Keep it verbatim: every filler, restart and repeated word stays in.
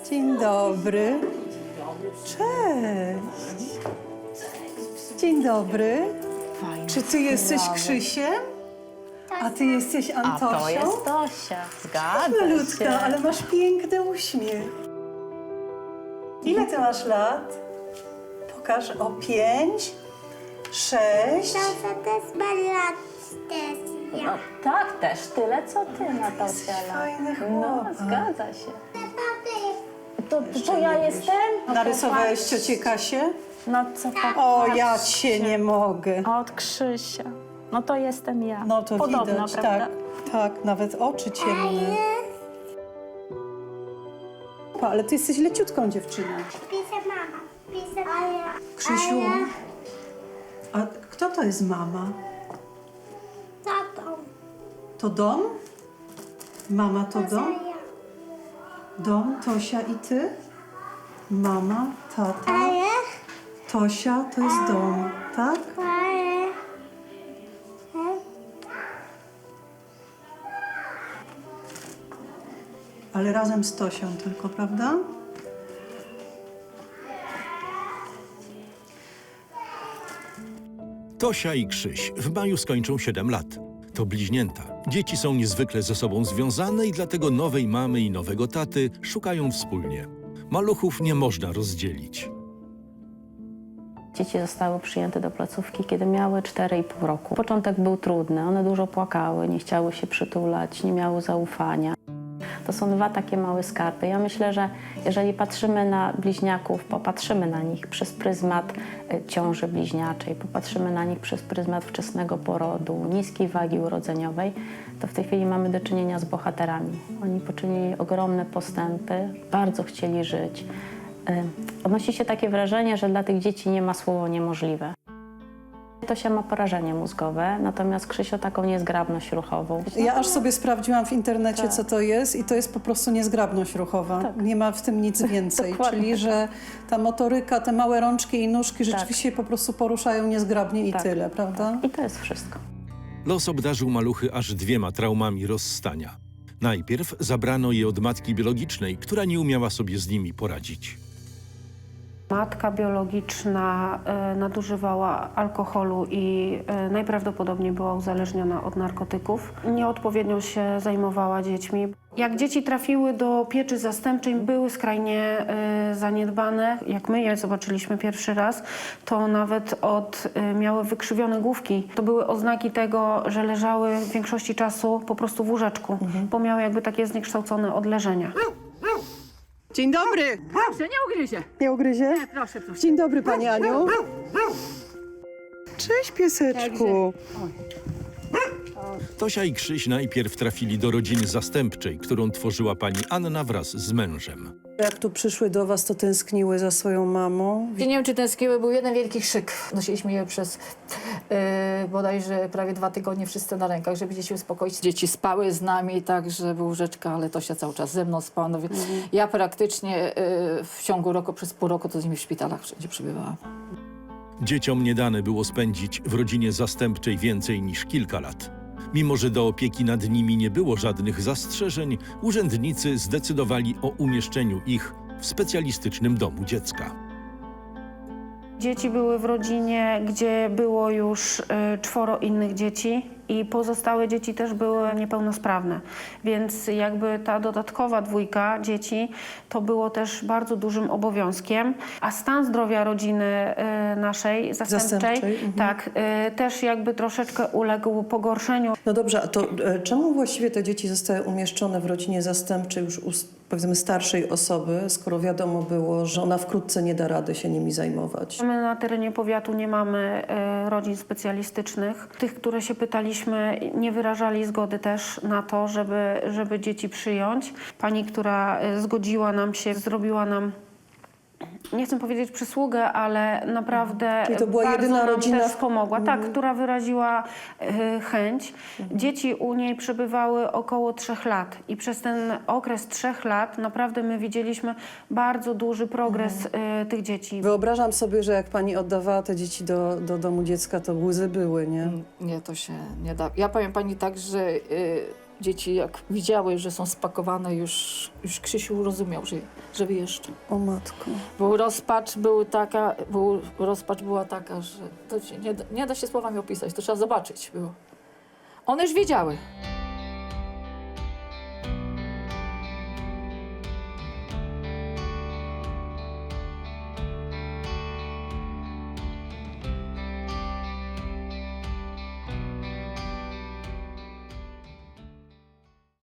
Dzień dobry. Cześć. Dzień dobry. Czy ty jesteś Krzysiem? A ty jesteś Antosią? A to jest Tosia, zgadza Malutka, się. ale masz piękny uśmiech. Ile ty masz lat? Pokaż. O pięć, sześć. Tata też ma lat też. No, Ja. tak, też tyle, co ty, Natasia. fajny No, chłopak. zgadza się. Taty. To, to ja jestem? No, Narysowałeś popatrzcie. ciocię Kasię? No co O, popatrzcie. ja cię nie mogę. Od Krzysia. No to jestem ja. No to Podobno, widać, prawda? tak. Tak, nawet oczy ciemne. Pa, ale ty jesteś leciutką dziewczyną. Pisze mama. Pisze mama. Krzysiu, a kto to jest mama? Tatą. To dom? Mama to dom? Ja. Dom, Tosia i ty? Mama, tata, Ale. Tosia to jest dom, tak? Ale. Ale razem z Tosią tylko, prawda? Tosia i Krzyś w maju skończą siedem lat. To bliźnięta. Dzieci są niezwykle ze sobą związane i dlatego nowej mamy i nowego taty szukają wspólnie. Maluchów nie można rozdzielić. Dzieci zostały przyjęte do placówki, kiedy miały cztery i pół roku. Początek był trudny, one dużo płakały, nie chciały się przytulać, nie miały zaufania. To są dwa takie małe skarby. Ja myślę, że jeżeli patrzymy na bliźniaków, popatrzymy na nich przez pryzmat y, ciąży bliźniaczej, popatrzymy na nich przez pryzmat wczesnego porodu, niskiej wagi urodzeniowej, to w tej chwili mamy do czynienia z bohaterami. Oni poczynili ogromne postępy, bardzo chcieli żyć. Y, Odnosi się takie wrażenie, że dla tych dzieci nie ma słowo niemożliwe. Tosia ma porażenie mózgowe, natomiast Krzysio taką niezgrabność ruchową. Ja aż sobie sprawdziłam w internecie, Tak. co to jest i to jest po prostu niezgrabność ruchowa. Tak. Nie ma w tym nic więcej. Dokładnie Czyli, że ta motoryka, te małe rączki i nóżki Tak. rzeczywiście po prostu poruszają niezgrabnie i Tak. tyle, prawda? I to jest wszystko. Los obdarzył maluchy aż dwiema traumami rozstania. Najpierw zabrano je od matki biologicznej, która nie umiała sobie z nimi poradzić. Matka biologiczna e, nadużywała alkoholu i e, najprawdopodobniej była uzależniona od narkotyków. Nieodpowiednio się zajmowała dziećmi. Jak dzieci trafiły do pieczy zastępczej, były skrajnie e, zaniedbane. Jak my je zobaczyliśmy pierwszy raz, to nawet od, e, miały wykrzywione główki. To były oznaki tego, że leżały w większości czasu po prostu w łóżeczku, bo miały jakby takie zniekształcone odleżenia. Dzień dobry! Proszę, nie ugryzie. Nie ugryzie? Nie, proszę, proszę. Dzień dobry, Pani Aniu. Cześć, pieseczku. Tosia i Krzyś najpierw trafili do rodziny zastępczej, którą tworzyła pani Anna wraz z mężem. Jak tu przyszły do was, to tęskniły za swoją mamą? Nie wiem, czy tęskniły, był jeden wielki krzyk. Nosiliśmy je przez yy, bodajże prawie dwa tygodnie wszyscy na rękach, żeby dzieci uspokoić. Dzieci spały z nami, tak, że był łóżeczka, ale Tosia cały czas ze mną spała. No, więc ja praktycznie yy, w ciągu roku, przez pół roku to z nimi w szpitalach wszędzie przebywałam. Dzieciom nie dane było spędzić w rodzinie zastępczej więcej niż kilka lat. Mimo że do opieki nad nimi nie było żadnych zastrzeżeń, urzędnicy zdecydowali o umieszczeniu ich w specjalistycznym domu dziecka. Dzieci były w rodzinie, gdzie było już y, czworo innych dzieci i pozostałe dzieci też były niepełnosprawne. Więc jakby ta dodatkowa dwójka dzieci to było też bardzo dużym obowiązkiem. A stan zdrowia rodziny y, naszej zastępczej, Zastępczej, mhm. tak, y, też jakby troszeczkę uległ pogorszeniu. No dobrze, a to e, czemu właściwie te dzieci zostały umieszczone w rodzinie zastępczej już u, powiedzmy, starszej osoby, skoro wiadomo było, że ona wkrótce nie da rady się nimi zajmować? My na terenie powiatu nie mamy e, rodzin specjalistycznych. Tych, które się pytaliśmy, nie wyrażali zgody też na to, żeby, żeby dzieci przyjąć. Pani, która e, zgodziła nam się, zrobiła nam, nie chcę powiedzieć przysługę, ale naprawdę Czyli to była bardzo jedyna nam rodzina, też w- pomogła. Tak, która wyraziła e, chęć. Dzieci u niej przebywały około trzech lat i przez ten okres trzech lat naprawdę my widzieliśmy bardzo duży progres e, tych dzieci. Wyobrażam sobie, że jak pani oddawała te dzieci do, do domu dziecka, to łzy były, nie? Nie, to się nie da. Ja powiem pani tak, że yy, Dzieci jak widziały, że są spakowane, już, już Krzysiu rozumiał, że, że wyjeżdża. O matko. Był rozpacz, był taka, był, rozpacz była taka, że to się nie, da- nie da się słowami opisać, to trzeba zobaczyć było. One już wiedziały.